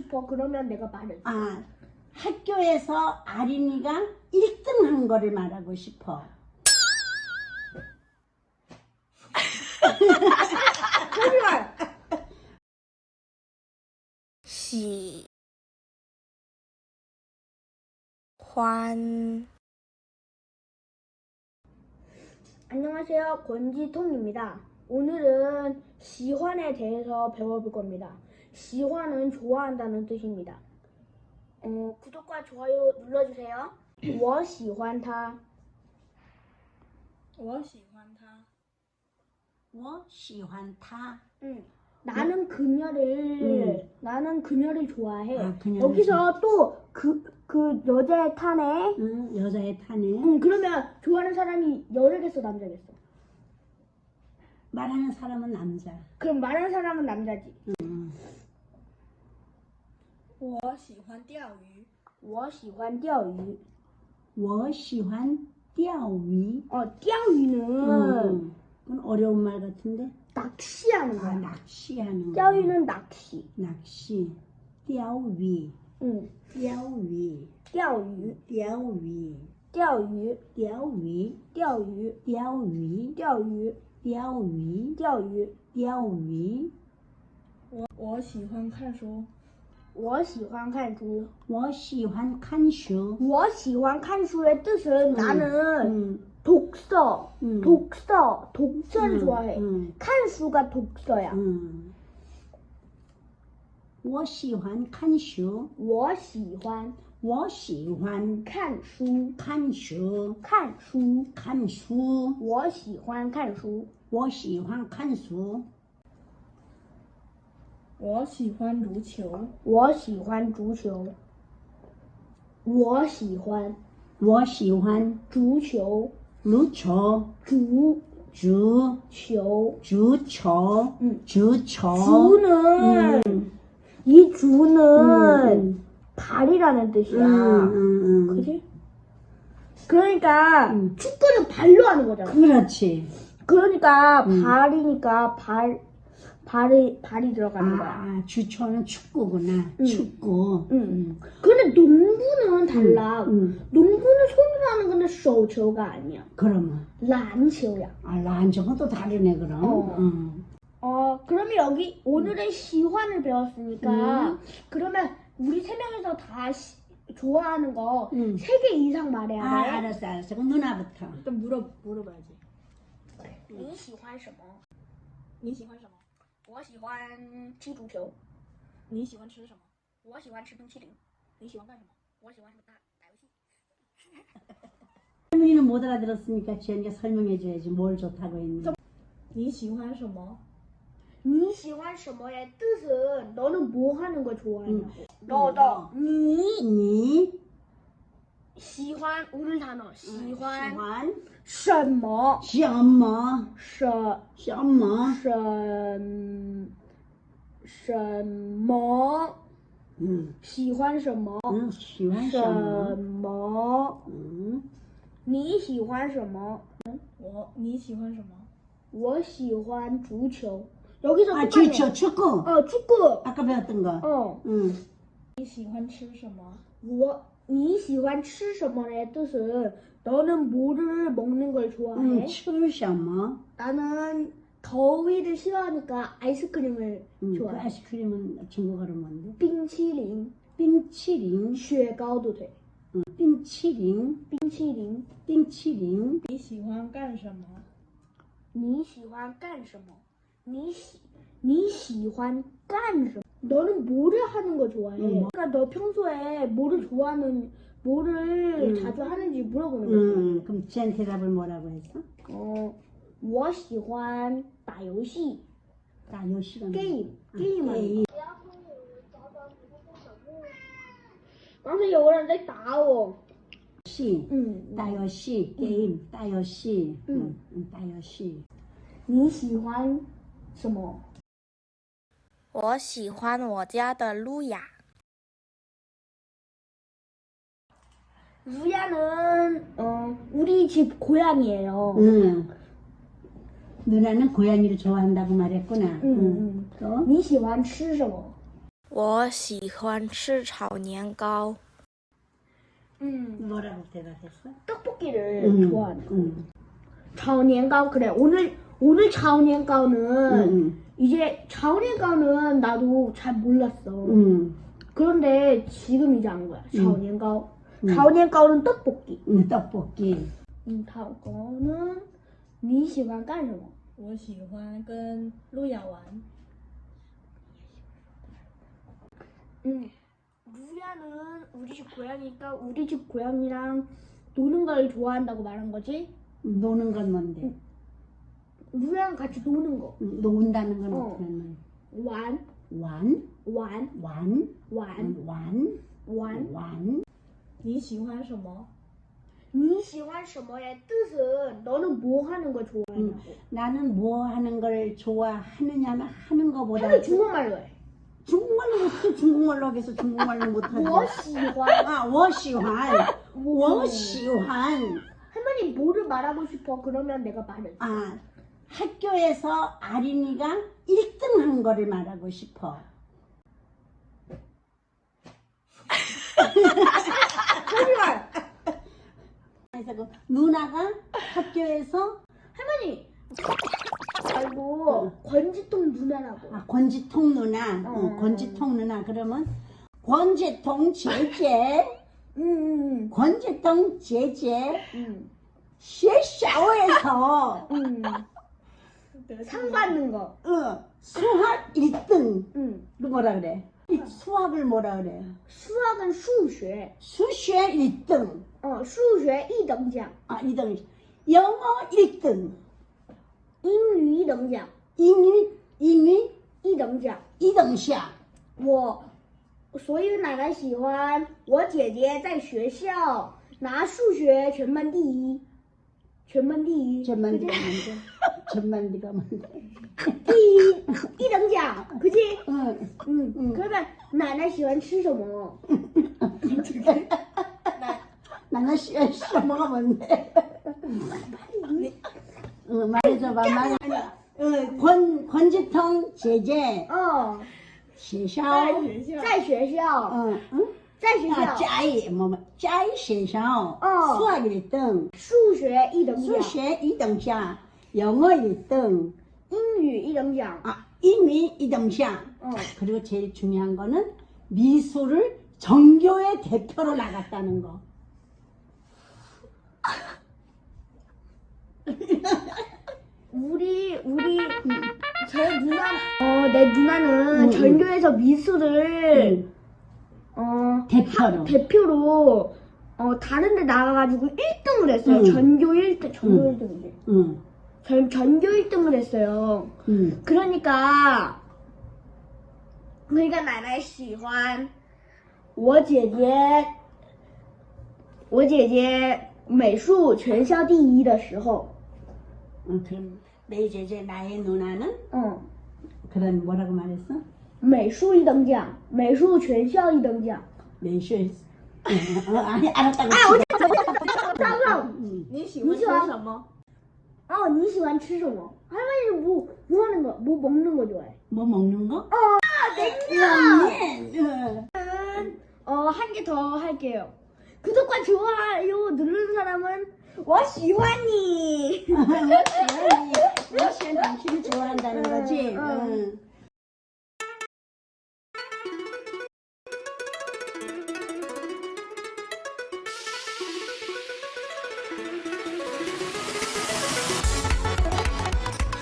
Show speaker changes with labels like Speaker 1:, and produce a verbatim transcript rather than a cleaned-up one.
Speaker 1: 싶어? 그러면 내가 말해줘.
Speaker 2: 아, 학교에서 아린이가 일 등 한 거를 말하고 싶어.
Speaker 1: 거짓말!
Speaker 3: 喜欢
Speaker 1: 안녕하세요. 권지통입니다. 오늘은 시환에 대해서 배워볼 겁니다. 시환은 좋아한다는 뜻입니다. 어, 구독과 좋아요 눌러주세요. 我喜欢他
Speaker 3: 我喜欢他
Speaker 2: 我喜欢他.
Speaker 1: 응. 나는 그녀를
Speaker 2: 응.
Speaker 1: 나는 그녀를 좋아해.
Speaker 2: 아, 그녀를
Speaker 1: 여기서 또 그 그 여자의 타네.
Speaker 2: 응, 여자의 타네.
Speaker 1: 응, 그러면 좋아하는 사람이 여자겠어, 남자겠어?
Speaker 2: 말하는 사람은 남자.
Speaker 1: 그럼 말하는 사람은 남자지.
Speaker 2: 응.
Speaker 3: 我喜欢钓鱼
Speaker 1: 我喜欢钓鱼.
Speaker 2: 我喜欢钓鱼.
Speaker 1: 어, 钓鱼는
Speaker 2: 응. 그건 어려운 말 같은데?
Speaker 1: 낚시하는
Speaker 2: 아,
Speaker 1: 거야.
Speaker 2: 낚시하는 거.
Speaker 1: 钓鱼는 낚시.
Speaker 2: 낚시. 钓鱼.
Speaker 1: 응.
Speaker 2: 钓鱼.
Speaker 1: 钓鱼
Speaker 2: 钓鱼.
Speaker 1: 钓鱼
Speaker 2: 钓鱼.
Speaker 1: 钓鱼
Speaker 2: 钓鱼.
Speaker 1: 钓鱼
Speaker 2: 钓鱼.
Speaker 1: 钓鱼
Speaker 2: 钓鱼.
Speaker 3: 我我喜欢看书
Speaker 1: 我喜欢看书.
Speaker 2: 我喜欢看书.
Speaker 1: 我喜欢看书의 뜻은 나는
Speaker 2: 응.
Speaker 1: 독서,
Speaker 2: 응.
Speaker 1: 독서, 독서를
Speaker 2: 응.
Speaker 1: 좋아해.
Speaker 2: 응.
Speaker 1: 칸수가 독서야.
Speaker 2: 응. 我喜欢看书.
Speaker 1: 我喜欢
Speaker 2: 我喜欢
Speaker 1: 看书,
Speaker 2: 看书.
Speaker 1: 看书.
Speaker 2: 看书.
Speaker 1: 我喜欢看书.
Speaker 2: 我喜欢看书.
Speaker 3: 我喜欢足球
Speaker 1: 我喜欢足球.我喜欢
Speaker 2: 我喜欢
Speaker 1: 足球.
Speaker 2: 足球.
Speaker 1: 足
Speaker 2: 足
Speaker 1: 球.
Speaker 2: 足球.
Speaker 1: 응.
Speaker 2: 足球.
Speaker 1: 주는
Speaker 2: 음.
Speaker 1: 이 주는
Speaker 2: 음.
Speaker 1: 발이라는 뜻이야.
Speaker 2: 음, 음, 음.
Speaker 1: 그지? 그러니까
Speaker 2: 음.
Speaker 1: 축구는 발로 하는 거잖아.
Speaker 2: 그렇지.
Speaker 1: 그러니까
Speaker 2: 음.
Speaker 1: 발이니까 발 발이 발이 들어가는 거야.
Speaker 2: 아, 주초는 축구구나.
Speaker 1: 응.
Speaker 2: 축구.
Speaker 1: 응. 근데 농구는 달라.
Speaker 2: 응.
Speaker 1: 농구는 손으로 하는 건데 쇼초가 아니야.
Speaker 2: 그러면.
Speaker 1: 란초야.
Speaker 2: 아, 란저건 또 다르네, 그럼.
Speaker 1: 어.
Speaker 2: 응.
Speaker 1: 어, 그러면 여기 오늘은 시환을 배웠으니까
Speaker 2: 음.
Speaker 1: 그러면 우리 세 명이서 다 시, 좋아하는 거
Speaker 2: 음.
Speaker 1: 세 개 이상 말해야
Speaker 2: 아,
Speaker 1: 돼.
Speaker 2: 알았어, 알았어. 그럼 누나부터.
Speaker 3: 일단 물어 물어봐야지
Speaker 1: 你喜欢什么?
Speaker 3: 你喜欢什么
Speaker 1: 我喜欢踢足球.
Speaker 3: 你喜欢吃什么
Speaker 1: 我喜欢吃冰淇淋.
Speaker 3: 你喜欢干什么
Speaker 1: 我喜欢打打游戏.
Speaker 2: 할머니는 못 알아들었으니까 지연이가 설명해줘야지 뭘 좋다고 했는지.
Speaker 3: 你喜欢什么
Speaker 1: 你喜欢什么의 뜻은 너는 뭐 하는 거 좋아하냐고.
Speaker 2: 음.
Speaker 1: 너, 너, 니,
Speaker 2: 니,
Speaker 1: 喜欢 오늘 단어. 喜欢
Speaker 2: 시환,
Speaker 1: 什么
Speaker 2: 시엄마,
Speaker 1: 什
Speaker 2: 시엄마.
Speaker 1: 什什么
Speaker 2: 응.
Speaker 1: 喜欢什么
Speaker 2: 응, 시환,
Speaker 1: 什
Speaker 2: 시엄마.
Speaker 1: 么
Speaker 2: 응.
Speaker 1: 你喜欢什么
Speaker 3: 我你喜欢什么
Speaker 1: 我喜欢足球 여기서
Speaker 2: 아,
Speaker 1: 똑같네.
Speaker 2: 주초, 축구.
Speaker 1: 어, 축구.
Speaker 2: 아까 배웠던 거.
Speaker 1: 어,
Speaker 2: 응.
Speaker 3: 你喜欢吃什么
Speaker 1: 我你喜欢吃什么의 뜻은 너는 뭐를 먹는 걸 좋아해?
Speaker 2: 응, 출, 시엄마.
Speaker 1: 나는 더위를 싫어하니까 아이스크림을
Speaker 2: 응, 그
Speaker 1: 좋아해.
Speaker 2: 아이스크림은 중국어로 뭔데?
Speaker 1: 冰淇淋,
Speaker 2: 빙치링,
Speaker 1: 雪糕都对.
Speaker 2: 응, 빙치링,
Speaker 1: 冰淇淋.
Speaker 2: 빙치링.
Speaker 3: 你喜欢干什么
Speaker 1: 你喜欢干什么?你喜你喜欢干什么? 너는 뭐를 하는 거 좋아해?
Speaker 2: 응.
Speaker 1: 그러니까 너 평소에 뭐를 좋아하는, 뭐를
Speaker 2: 응.
Speaker 1: 자주 하는지 물어보는 거지.
Speaker 2: 응, 그럼 지연 대답을 뭐라고 했어?
Speaker 1: 어, 我喜欢打游戏.
Speaker 2: 나 요시가
Speaker 1: 게임,
Speaker 2: 아,
Speaker 1: 게임 하는
Speaker 2: 게임.
Speaker 1: 거. 刚才有人在打我.
Speaker 2: 시,
Speaker 1: 嗯,
Speaker 2: 따요시, 게임, 따요시.
Speaker 1: 응.
Speaker 2: 응, 따요시.
Speaker 1: 你喜欢什么?
Speaker 3: 我喜欢我家的路亚
Speaker 1: 루야는 어, 우리 집 고양이에요.
Speaker 2: 응. 누나는 고양이를 좋아한다고 말했구나.
Speaker 1: 응, 응.
Speaker 2: 또?
Speaker 1: 你喜欢吃什么?
Speaker 3: 我喜欢吃炒年糕。
Speaker 1: 음,
Speaker 2: 뭐라고 대답했어?
Speaker 1: 떡볶이를
Speaker 2: 응,
Speaker 1: 좋아하네.
Speaker 2: 응,
Speaker 1: 차오니엔가오 그래. 오늘 오늘 차오니엔가오는
Speaker 2: 응,
Speaker 1: 이제 차오니엔가오는 나도 잘 몰랐어.
Speaker 2: 응,
Speaker 1: 그런데 지금 이제 안 거야. 차오니엔가오.
Speaker 2: 응.
Speaker 1: 차오니엔가오는 떡볶이.
Speaker 2: 응, 떡볶이.
Speaker 1: 음, 다음 거는 你喜欢干什么?
Speaker 4: 我喜欢跟路亚玩。
Speaker 1: 응. 루야는 우리 집 고양이니까 우리 집 고양이랑 노는 걸 좋아한다고 말한 거지?
Speaker 2: 노는 건 뭔데?
Speaker 1: 루야랑 같이 노는 거.
Speaker 2: 응, 논다는 건
Speaker 1: 어.
Speaker 2: 어떻게 하는
Speaker 1: 완,
Speaker 2: 완,
Speaker 1: 완,
Speaker 2: 완,
Speaker 1: 완,
Speaker 2: 완,
Speaker 1: 완.
Speaker 2: 완.
Speaker 4: 你喜欢什么？
Speaker 1: 你喜欢什么의 뜻은 너는 뭐 하는 거 좋아하냐고.
Speaker 2: 나는 뭐 하는 걸 좋아하느냐는 하는 거보다
Speaker 1: 하루 중국말로 해.
Speaker 2: 중국말로 못해. 중국말로 하겠어. 중국말로 못하지.
Speaker 1: 我喜欢.
Speaker 2: 아, 我喜欢,我喜欢.
Speaker 1: 할머니 뭐를 말하고 싶어? 그러면 내가 말해.
Speaker 2: 아, 학교에서 아린이가 일 등 한 거를 말하고 싶어.
Speaker 1: 거짓말.
Speaker 2: 그래서 그 누나가 학교에서
Speaker 1: 할머니 말고 권지통 누나라고.
Speaker 2: 아, 권지통 누나,
Speaker 1: 어.
Speaker 2: 응, 권지통 누나. 그러면 권지통 제제,
Speaker 1: 응, 응,
Speaker 2: 권지통 제제,
Speaker 1: 응,
Speaker 2: 学校에서
Speaker 1: 응. 상 받는 거.
Speaker 2: 어, 수학 일 등.
Speaker 1: 응.
Speaker 2: 그 뭐라 그래? 이 수학을 뭐라 그래?
Speaker 1: 수학은 수学.
Speaker 2: 수학 일 등.
Speaker 1: 어, 수学一等奖.
Speaker 2: 아, 이 등. 영어 일 등.
Speaker 1: 英语一等奖.
Speaker 2: 英语,英语
Speaker 1: 一等奖.
Speaker 2: 一等奖.
Speaker 1: 我所以奶奶喜欢我姐姐在学校拿数学全班第一，全班第一，
Speaker 2: 전만
Speaker 1: 그지?
Speaker 2: 네가 뭔데? 전만 네가 뭔데?
Speaker 1: 第一一等奖，可是
Speaker 2: 응.
Speaker 1: 嗯
Speaker 2: 응.
Speaker 1: 可是奶奶喜欢吃什么？
Speaker 2: 나는 시험 뭐가 뭔데? 응, 말해줘봐, 말해. 응, 권, 권지통 제제,
Speaker 1: 哦，
Speaker 2: 学校,
Speaker 1: 在学校，
Speaker 2: 응, 응?
Speaker 1: 在学
Speaker 2: 아,
Speaker 1: 校，
Speaker 2: 짜이, 뭐, 뭐, 짜이 学校,
Speaker 1: 어.
Speaker 2: 수학 일 등,
Speaker 1: 数学一等奖，
Speaker 2: 수학 이等奖, 영어 일 등,
Speaker 1: 英语一等奖，
Speaker 2: 아, 인위 이等奖.
Speaker 1: 嗯，
Speaker 2: 그리고 제일 중요한 거는 미술을 전교의 대표로 나갔다는 거.
Speaker 1: 우리 우리 제 누나, 어, 내 누나는
Speaker 2: 응,
Speaker 1: 전교에서 미술을
Speaker 2: 응,
Speaker 1: 어
Speaker 2: 대표로.
Speaker 1: 대표로 어 다른데 나가가지고 일 등을 했어요.
Speaker 2: 응.
Speaker 1: 전교 일 등, 전교
Speaker 2: 응.
Speaker 1: 일 등인데.
Speaker 2: 응,
Speaker 1: 전 전교 일 등을 했어요.
Speaker 2: 응.
Speaker 1: 그러니까 그러니까 奶奶喜欢我姐姐，我姐姐美术全校第一的时候，
Speaker 2: 응, 그럼 내 제제 나의 누나는
Speaker 1: 嗯，
Speaker 2: 그런 뭐라고 말했어?
Speaker 1: 美术一等奖，美术全校一等奖。
Speaker 2: 매슈. 어, 아니 알았다고.
Speaker 1: 哎，我张张，
Speaker 2: 응.
Speaker 4: 你喜欢吃什么？
Speaker 1: 哦，你喜欢吃什么？할머니는 뭐, 뭐 하는 거, 뭐 먹는 거 좋아해?
Speaker 2: 뭐 먹는 거?
Speaker 1: 냉면!
Speaker 2: 냉면.
Speaker 1: 어, 한 개 더 할게요. 구독과 좋아요 누르는 사람은 我喜欢你.
Speaker 2: 러시안 당신을 좋아한다는 거지.
Speaker 1: 응, 응.
Speaker 2: 응.